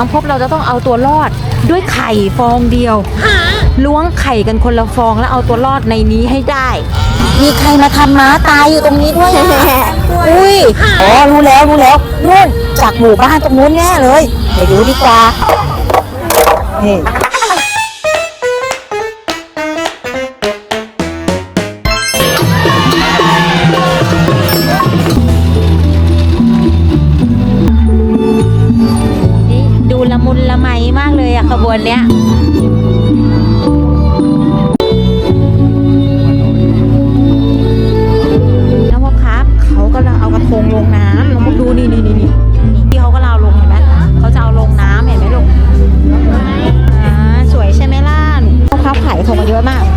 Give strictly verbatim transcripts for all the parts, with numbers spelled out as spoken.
น้องพบเราจะต้องเอาตัวรอดด้วยไข่ฟองเดียวล้วงไข่กันคนละฟองแล้วเอาตัวรอดในนี้ให้ได้มีใครมาทำม้าตายอยู่ตรงนี้ด้วยอุ้ยอ๋อรู้แล้วรู้แล้วนู่นจากหมู่บ้านตรงนู้นแน่เลยไปดูดีกว่านี่ดูละมุนละไมมากเลยอะขบวนเนี้ยน้องพบครับเขากำลังเอากระทงลงน้ำน้องพบดูนี่นี่นี่นี่ที่เขาก็เอาลงเห็นไหมเขาจะเอาลงน้ำเห็นไหมลูกอ่าสวยใช่ไหมล่ะน้องพบขายกระทงมาเยอะมาก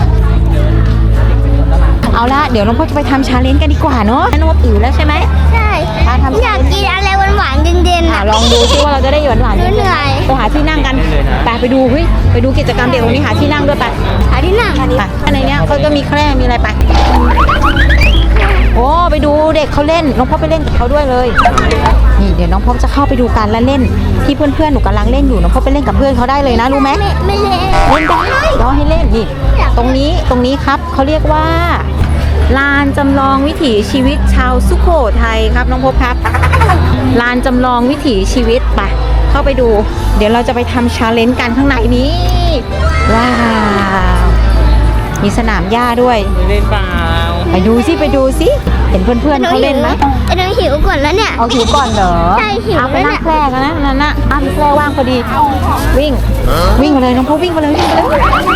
เอาละเดี๋ยวน้องพบจะไปทำชาเลนจ์กันดีกว่าเนาะน้องพบอิ่วแล้วใช่ไหมใช่อยากกินอะไรหวานๆเย็นๆอ่ะลองดูซิว่าเราจะได้หวานหวานเหนื่อยไปหาที่นั่งกันไปไปดูเฮ้ยไปดูกิจกรรมเด็กตรงนี้หาที่นั่งด้วยไปหาที่นั่งอันนี้ไปในเนี้ยเขาก็มีแคร่มีอะไรไปโอ้ไปดูเด็กเขาเล่นน้องพ่อไปเล่นกับเขาด้วยเลยนี่เดี๋ยวน้องพ่อจะเข้าไปดูการละเล่นที่เพื่อนๆหนูกำลังเล่นอยู่น้องพ่อไปเล่นกับเพื่อนเขาได้เลยนะรู้ไหมไม่ไม่เล่นเล่นได้เดี๋ยวให้เล่นนี่ตรงนี้ตรงนี้ครับเขาเรียกว่าลานจำลองวิถีชีวิตชาวสุโขทัยครับน้องพบครับลานจำลองวิถีชีวิตไปเข้าไปดูเดี๋ยวเราจะไปทำชาเลนจ์กันข้างในนี้ว้าวมีสนามหญ้าด้วยเล่นเปล่าไปดูสิไปดูสิเห็นเพื่อนๆเขาเล่นไหมไอ้น้องหิวก่อนแล้วเนี่ยเอาหิวก่อนเหรอใช่หิวเอาไปแล้วนั่เนี่งยแคร่กันนะนั่นน่ะอ้าวมีแคร่ว่างพอดีวิ่งวิ่งไปเลยน้องพบวิ่งไปเลยวิ่งไปเลย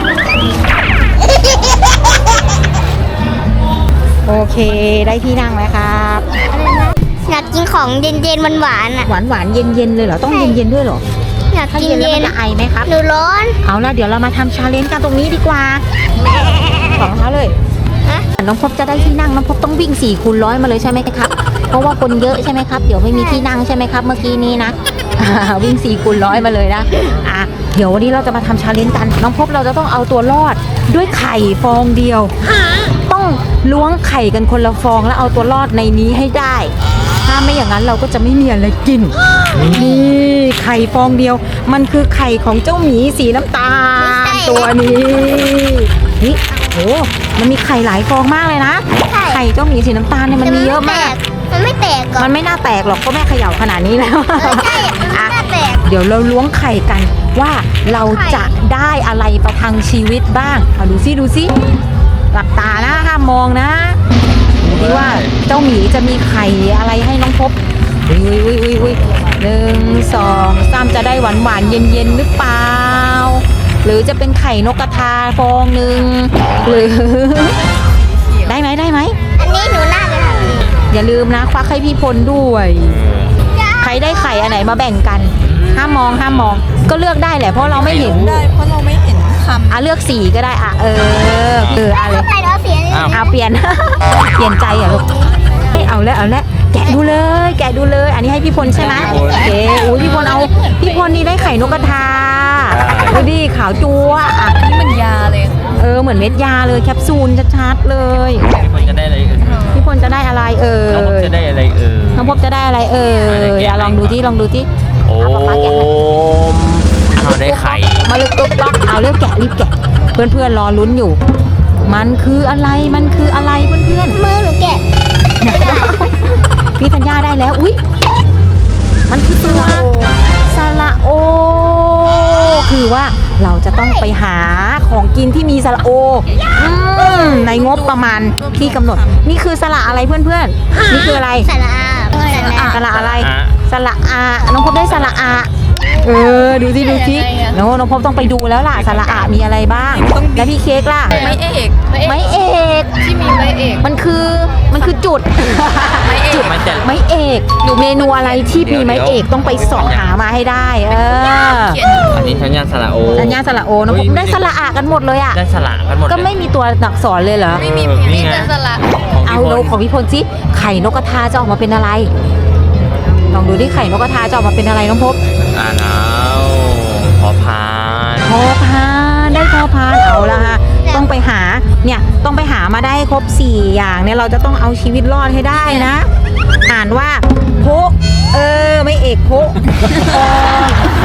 โอเคได้ที่นั่งแล้วครับอยากกินของเย็นๆหวานๆอ่ะหวานหวานเย็นเย็นเลยเหรอต้องเย็นเย็นด้วยเหรออยากถ้ากินเย็นแล้วเย็มัน นจะไอไหมครับหนูร้อนเอาละเดี๋ยวเรามาทำชาเลนจ์กันตรงนี้ดีกว่าของเขาเลยน้องพบจะได้ที่นั่งน้องพบต้องวิ่งสี่คูณร้อยมาเลยใช่ไหมครับเพราะว่าคนเยอะใช่ไหมครับเดี๋ยวไม่มีที่นั่งใช่ไหมครับเมื่อกี้นี้นะวิ่งสี่คูณร้อยมาเลยนะอ่ะเดี๋ยววันนี้เราจะมาทำชาเลนจ์กันน้องพบเราจะต้องเอาตัวรอดด้วยไข่ฟองเดียวต้องล้วงไข่กันคนละฟองแล้วเอาตัวรอดในนี้ให้ได้ถ้าไม่อย่างนั้นเราก็จะไม่มีอะไรกินนี่ไข่ฟองเดียวมันคือไข่ของเจ้าหมีสีน้ำตาลตัวนี้นี่โหมันมีไข่หลายฟองมากเลยนะไข่เจ้าหมีสีน้ำตาลเนี่ยมันมีเยอะมากมันไม่แตกก่อนมันไม่น่าแตกหรอกก็แม่เขย่าขนาดนี้แล้วใช่มันไม่น่าแตกเดี๋ยวเราล้วงไข่กันว่าเราจะได้อะไรประทังชีวิตบ้างเอาดูซิดูซิหลับตานะห้ามมองนะดูดิว่าเจ้าหมีจะมีไข่อะไรให้น้องพบอุ้ยอุ้ยอุ้ยอุ้ยหนึ่งสองสามจะได้หวานหวานเย็นเย็นหรือเปล่าหรือจะเป็นไข่นกกระทาฟองหนึ่งหรือ ได้ไหมได้ไหมอันนี้หนูน่าจะทำดีอย่าลืมนะควักให้พี่พลด้วยใครได้ไข่อันไหนมาแบ่งกันห้ามมองห้ามมองก็เลือกได้แหละเพราะเราไม่เห็นได้เพราะเราไม่เห็นคำอ่ะเลือกสีก็ได้อ่ะเออเอออะไรใส่เราเสียเลยเอาเปลี่ยน เปลี่ยนใจเหรอลูกเอาแล้วเอาแล้วแกะดูเลยแกะดูเลยอันนี้ให้พี่พลใช่ไหมโอเคอุ้ยพี่พลเอาพี่พลนี่ได้ไข่นกกระทาดูดิขาวจั๊วอ่ะนี่มันยาเลยเออเหมือนเม็ดยาเลยแคปซูลชัดๆเลยคนจะได้อะไรเอ่ยพี่พลจะได้อะไรเออน้องพบจะได้อะไรเอ่ยน้องพบจะได้อะไรเอออ่ะลองดูที่ลองดูที่โอ้มเขาได้ไข่มาเลยตุ๊กต๊อกเอาเรียบแกะรีบแกะเพื่อนๆรอลุ้นอยู่มันคืออะไรมันคืออะไรเพื่อนๆมือหนูแกะไม่ได้พี่ธัญญาได้แล้วอุ้ยมันคือตัวสระโอคือว่าเราจะต้องไปหาของกินที่มีสระโอในงบประมาณที่กำหนดนี่คือสระอะไรเพื่อนๆนี่คืออะไรสระอาสระอะไรสระอาน้องพบได้สระอาเออดูสิดูสิน้องน้องพบต้องไปดูแล้วล่ะสระอามีอะไรบ้างแล้วพี่เค้กล่ะไม้เอกไม้เอกที่มีไม้เอกมันคือมันคือจุดจุดไม้เอกอยู่เมนูอะไรที่มีไม้เอกต้องไปสอบหามาให้ได้เอออันนี้สัญญาณสระโอสัญญาณสระโอน้องพบได้สระอากันหมดเลยอ่ะได้สระกันหมดก็ไม่มีตัวอักษรเลยเหรอไม่มีมีแต่สระเอาโลของพี่พลสิไข่นกกระทาจะออกมาเป็นอะไรลองดูดิไข่นกกระทาจะออกมาเป็นอะไรน้องพบอ่าแล้วพอพานพอพานได้พอพานเอาละฮะต้องไปหาเนี่ยต้องไปหามาได้ครบสี่อย่างเนี่ยเราจะต้องเอาชีวิตรอดให้ได้นะอ่านว่าโพเออไม่เอกโพ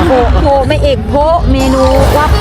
โพโพไม่เอกโพเมนูว่าโพ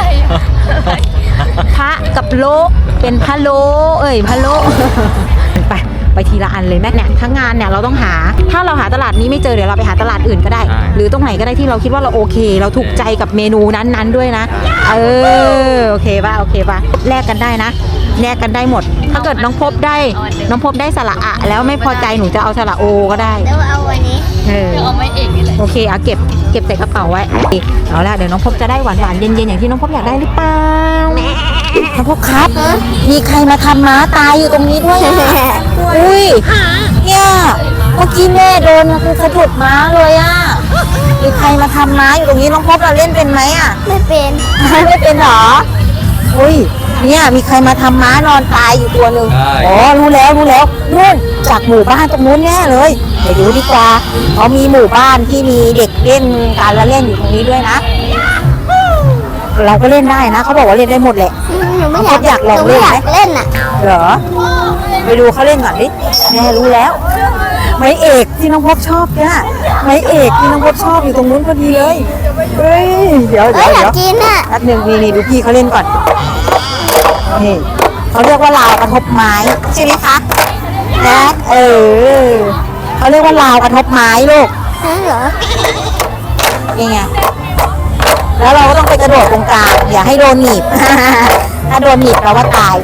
พระกับโลเป็นพะโลเอ้ยพะโลไปไปทีละอันเลยแม่เนี่ยทั้งงานเนี่ยเราต้องหาถ้าเราหาตลาดนี้ไม่เจอเดี๋ยวเราไปหาตลาดอื่นก็ได้ หรือตรงไหนก็ได้ที่เราคิดว่าเราโอเค เราถูกใจกับเมนูนั้นๆด้วยนะเออโอเคป่ะโอเคป่ะแลกกันได้นะแลกกันได้หมด ถ้าเกิดน้องพบได้น้องพบได้สระอะแล้วไม่พอใจหนูจะเอาสระโอก็ได้แล้วเอาวันนี้เออเอาไม่เอกนี่แหละโอเคเอาเก็บเก็บใส่กระเป๋าไว้เอาละเดี๋ยวน้องพบจะได้หวานหวานๆเย็นๆอย่างที่น้องพบอยากได้หรือเปล่าน้องพบครับมีใครมาทำม้าตายอยู่ตรงนี้ด้วยอะอุ้ยเนี่ยเมื่อกี้แม่โดนคือสะดุดม้าเลยอ่ะมีใครมาทำม้าอยู่ตรงนี้น้องพบเราเล่นเป็นไหมอ่ะไม่เป็นไม่เป็นหรออุ้ยเนี่ยมีใครมาทำม้านอนตายอยู่ตัวหนึ่งอ๋อรู้แล้วรู้แล้วนู่นจากหมู่บ้านตรงนู้นแน่เลยไปดูดีกว่าเขามีหมู่บ้านที่มีเด็กเล่นการละเล่นอยู่ตรงนี้ด้วยนะเราก็เล่นได้นะเขาบอกว่าเล่นได้หมดแหละหนูไม่อยากอยากลองหนูไม่อยากเล่นไหมเล่นอ่ะเหรอไปดูเขาเล่นก่อนดิแม่รู้แล้วไม้เอกที่น้องพบชอบเนี่ยไม้เอกที่น้องพบชอบอยู่ตรงนู้นพอดีเลยเฮ้ยเดี๋ยวเอ้เดี๋ยยวอยากเดี๋ยวกินอ่ะแป๊บหนึ่งนี่นี่ดูพี่เขาเล่นก่อนนี่เขาเรียกว่าราวกระทบไม้ใช่ไหมคะนะเออเขาเรียกว่าราวกระทบไม้ลูกนั่นเหรอนี่ไงแล้วเราก็ต้องไปกระโดดตรงกลางอย่าให้โดนหนีบ ถ้าโดนหนีบเราว่าตาย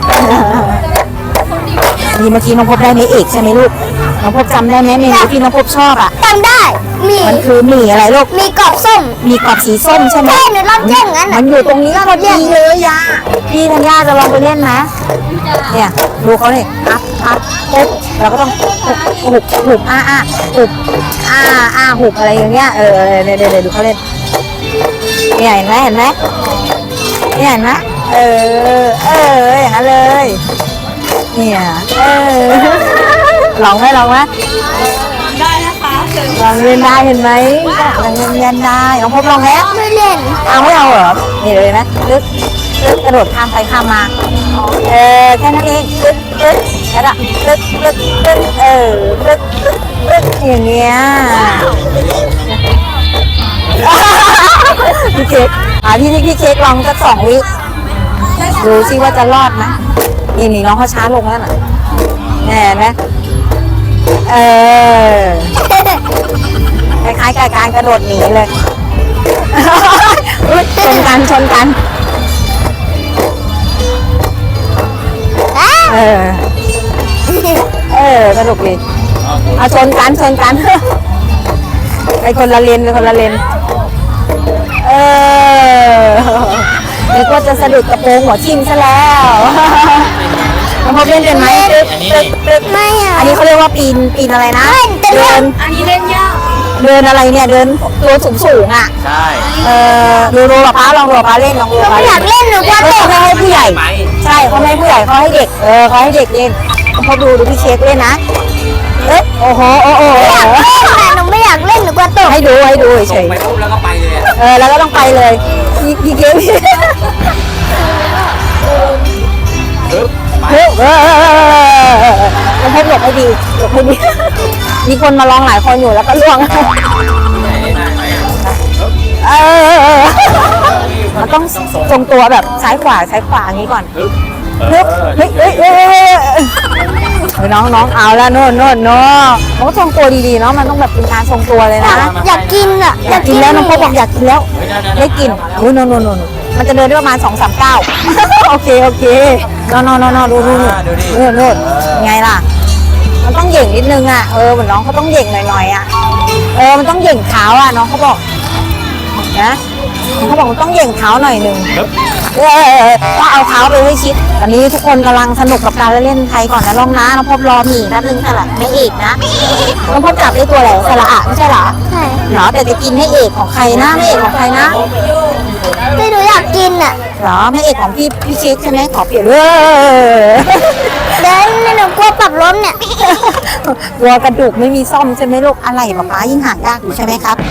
นี่เมื่อกี้น้องพบได้ไหมเอกใช่ไหมลูกน้องพบจำได้ไหมเมนูที่น้องพบชอบอ่ะจำได้ มีมันคือหมี่อะไรลูกมีกรอบส้มมีกรอบสีส้มใช่ไหมใช่หนูรอบแย่งงั้นมัอ่ะนอยู่ตรงนี้พอดีเลยย่าพี่ธัญญาจะลองไปเล่นนะเนี่ยดูเขาเลยอัพอัพปุ๊บเราก็ต้องหุบหุบอ้าอ้าหุบอ้าอ้าหุบอะไรอย่างเงี้ยเออเดี๋ยวเดี๋ยวดูเขาเล่นเนี่ยเห็นไหมเห็นไหมเนี่ยเห็นไหมเออเอออย่างนั้นเลยเนี่ยเออลองไหมลองไหมได้นะคะเชิญลองเล่นได้เห็นไหมลองเล่นเล่นได้ลองพบลองแล้วไม่เล่นเอาไม่เอาเหรอนี่เลยนะลึกลึกกระโดดข้ามไปข้ามมาเออแค่นั้นเองลึกลึกแล้วก็ลึกลึกลึกเออลึกลึกลึกอย่างเงี้ยพี่เค้กอ่าพี่นี่พี่เค้กลองสักสองวิดูซิว่าจะรอดไหมนี่นี่น้องเขาช้าลงแล้วน่ะแน่ไหมเออคล้ายๆกับการกระโดดหนีเลย อุ๊ยชนกันชนกันอ้าเออ เออสนุกดีเอาชนกันชนกัน ไปคนละเลนไปคนละเลน เออนึกว่าจะสะดุดกระโปรงหัวทิ่มซะแล้วน้องพบเล่นเป็นไหมตึ๊บตึ๊บตึ๊บไม่อ่ะอันนี้เขาเรียกว่าปีนปีนอะไรนะ เดินอันนี้เล่นยากเดินอะไรเนี่ย เดินตัวสูงสูงๆอ่ะใช่เออดูดูป้าลองดูป้าเล่นลองดูหนูป้าไม่อยากเล่นหนูกลัวเขาตกไม่ให้ผู้ใหญ่ ใช่เขาไม่ให้ผู้ใหญ่เขาให้เด็ก เออเขาให้เด็กเล่นเขาดูดูพี่เค้กเล่นนะ เอ๊ะโอ้โหโอ้โหไม่อยากเล่นอ่ะหนูไม่อยากเล่นหนูกลัวตกให้ดูให้ดูเฉยไปปุ๊บแล้วก็ไปเลยอะๆเออแล้วก็ต้องไปเลยพี่พี่เค้กปึ๊บไปเฮ้ยเออต้องให้หลบให้ดีหลบให้ดี มีคนมาลองหลายคนอยู่แล้วก็ล่วงไหนได้ไหมอะเออมันต้องทรงตัวแบบซ้ายขวาซ้ายขวาอย่างนี้ก่อนปึ๊บเฮ้ยเฮ้ยเฮ้ยเฮ้ยเฮ้ยเฮ้ยน้องน้องเอาแล้วโน่นโน่นโน่นมันก็ทรงตัวดีๆเนาะมันต้องแบบเป็นการทรงตัวเลยนะอยากกินอ่ะอยากกินแล้วน้องพบบอกอยากกินแล้วได้กินโอ้ยโน่นโน่นโน่นมันจะเดินได้ประมาณสองสามเก้าโอเคโอเคโน่นโน่นโน่นดูดูดูโน่นโน่นไงล่ะมันต้องเหย่งนิดนึงอ่ะเออเหมือนน้องเขาต้องเหย่งหน่อยๆอ่ะเออมันต้องเหย่งเท้าอ่ะน้องเขาบอกนะเขาบอกมันต้องเหย่งเท้าหน่อยหนึ่งปึ๊บเออก็เอาเท้าไปให้ชิดตอนนี้ทุกคนกำลังสนุกกับการเล่นไทยก่อนนะลองนะน้องพบรอหนีแป๊บนึงค่ะไม่เอกนะน้องพบจับได้ตัวอะไรสระอะไม่ใช่เหรอใช่เหรอแต่จะกินให้เอกของใครนะไม่เอกของใครนะที่หนูอยากกินอ่ะเหรอไม่เอกของพี่พี่เค้กใช่ไหมขอเปลี่ยนเออเดินหนูกลัวปรับล้มเนี่ยวัวกระดูกไม่มีซ่อมใช่ไหมลูกอะไรป๊าป๊ายิ่งหายากอยู่ใช่ไหมครับ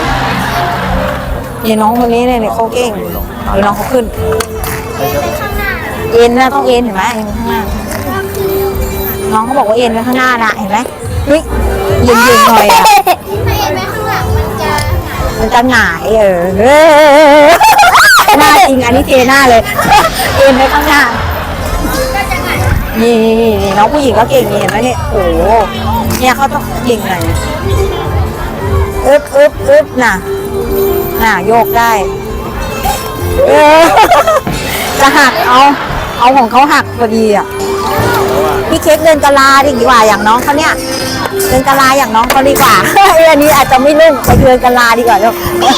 เนี่ยน้องคนนี้เนี่ยเขาเก่งเอาน้องเขาขึ้นเอ็นนะต้องเอ็นเห็นไหมเอ็นข้างหน้าน้องเขาบอกว่าเอ็นไว้ข้างหน้านะเห็นไหมเฮ้ยเย็นๆหน่อยอ่ะไม่เห็นไหมข้างหลังมันจะเมันจะหงายเออเออหน้าจริงอันนี้เทหน้าเลย เอ็นไปข้างหน้านี่นี่นี่นี่น้องผู้หญิงก็เก่งนี่เห็นไหมเนี่ยโอ้โหเนี่ยเขาต้องเก่งหน่อยอึ๊บอึ๊บอึ๊บน่ะน่ะโยกได้เออ จะหักเอาเอาของเขาหักพอดีอ่ะพี่เค้กเดินกะลาดีกว่าอย่างน้องเขาเนี่ยเดินกะลาอย่างน้องเขาดีกว่า เอออันนี้อาจจะไม่นุ่มไปเดินกะลาดีกว่าลูก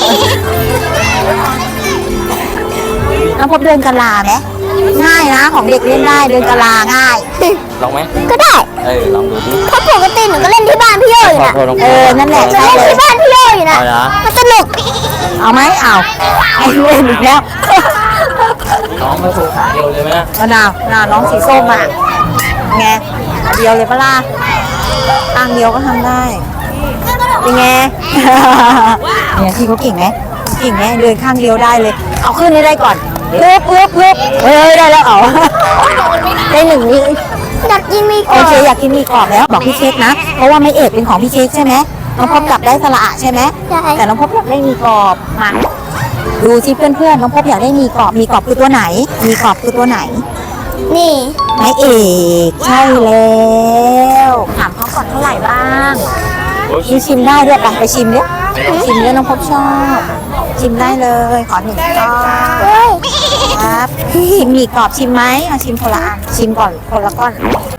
น้องพบเดินกะลาไหมง่ายนะของเด็กเล่นได้เดินกะลาง่ายลองไหมก็ได้เออลองดูดิเพราะปกติหนูก็เล่นที่บ้านพี่โยอยู่นะขอโทษน้องเออนั่นแหละหนูใช่เล่นเลยที่บ้านพี่โยอยู่นะเอาละมันสนุกเอาไหมเอาไอ้เล่นอีกแล้วน้องมาถูกขาเดียวเลยไหมนะมะนาวน่าน้องสีส้มอ่ะไงเดียวเลยปะล่ะข้างเดียวก็ทำได้เป็นไง เนี่ยที่เขาเก่งไหมเก่งไหมเดินข้างเดียวได้เลย เอาขึ้นให้ได้ก่อนปึ๊บปึ๊บปึ๊บเฮ้ยได้แล้วเอา ได้หนึ่งนี่อยากกินมีกรโออบเคอยากกินหมีกรอบแล้วบอกพี่เค้กนะเพราะว่าไม่เอกเป็นของพี่เค้กใช่ไหมน้องพบกลับได้สละอะใช่ไหมใช่แต่น้องพบอยากได้หมีกรอบมาดูสิเพื่อนๆน้องพบอยากได้หมีกรอบหมีกรอบคือตัวไหนหมีกรอบคือตัวไหนนี่ไม่เอกใช่แล้วถามเขาก่อนเท่าไหร่บ้างมีชิมได้ด้วยไปไปชิมเนี่ยชิมเนี่ยน้องพบชอบชิมได้เลยขอหนึ่งก้อนเฮ้ยครับพี่หมีกรอบชิมไหมเอาชิมคนละอันชิมก่อนคนละก้อน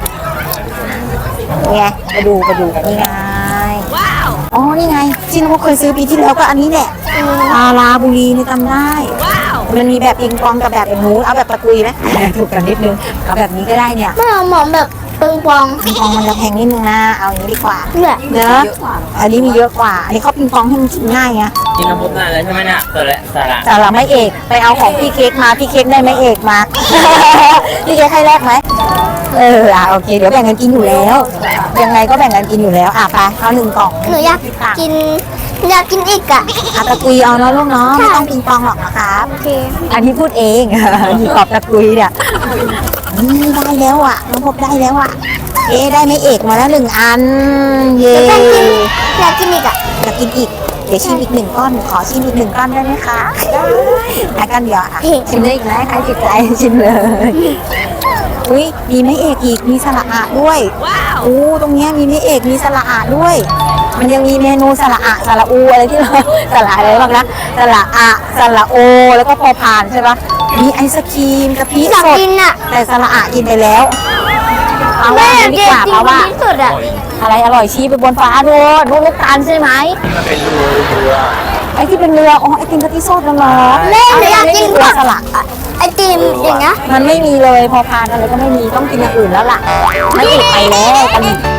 นี่ไงไปดูไปดูนี่ไงอ๋อนี่ไงที่น้องพบเคยซื้อปีที่แล้วก็อันนี้แหละปลาลาบุรีนี่จำได้มันมีแบบปิงปองกับแบบเป็นหมูเอาแบบตะกุยไหมถูกกันนิดนึงเอาแบบนี้ก็ได้เนี่ยไม่เอาหมอมแบบปิงปองปิงปองมันจะแพงนิดนึงนะเอาอย่างนี้ดีกว่าเนี่ยเนอะอันนี้มีเยอะกว่า อันนี้เขาปิงปองให้มันกินง่ายไงกินน้ำพุนานแล้วใช่ไหมเนี่ยตัวละสาระแต่เราไม่เอกไปเอาของพี่เค้กมาพี่เค้กได้ไม่เอกมา พี่เค้กให้แรกไหมเอออ่ะโอเคเดี๋ยวแบ่งกันกินอยู่แล้ว ยังไงก็แบ่งกันกินอยู่แล้วอ่ะไปเอาหนึ่งกล่องหนูอยากกินอยากกินอีกอ่ะอ่ะตะกุยเอาเนาะลูกเนาะไม่ต้องปิงปองหรอกนะครับโอเคอันนี้พูดเอง มีขอบตะกุยเนี่ยนี่ได้แล้วอ่ะน้องพบได้แล้วอ่ะเอ๊ะได้ไม่เอกมาแล้วหนึ่งอันเย้แล้วก็กินอยากกินอีกอ่ะอยากกินอีก เดี๋ยวชิมอีกหนึ่งก้อน ขอชิมอีกหนึ่งก้อนได้ไหมคะได้อันกันเดียวอ่ะ ชิมได้อีกไหมใครติดใจชิมเลย อุ้ยมีไม่เอกอีก มีสละอะด้วยโอ้ตรงเนี้ยมีไม่เอก มีสละอะด้วย มันยังมีเมนูสละอะสละอูอะไรที่เรา สละอะไรบ้างนะสละอะสละโอ แล้วก็พอพานใช่ปะมีไอศครีมกะทิอยากสดกินอ่ะแต่สละอะกินไปแล้วเอาแม่ว่าอยากดีกินกว่าจริเพราะว่างที่สุดอ่ะอะไรอร่อยชี้ไปบนฟ้าดูดูลูกตาลใช่ไหมมันเป็นรูเรือไอที่เป็นเรือ อ๋อ ไอติมกะทิสดนั่นเหรอแม่หนูอยากกินเรือสลักไอติมอย่างเงี้ยมันไม่มีเลย พอพานอะไรก็ไม่มี ต้องกินอย่างอื่นแล้วล่ะไม่เอกไปแล้วกัน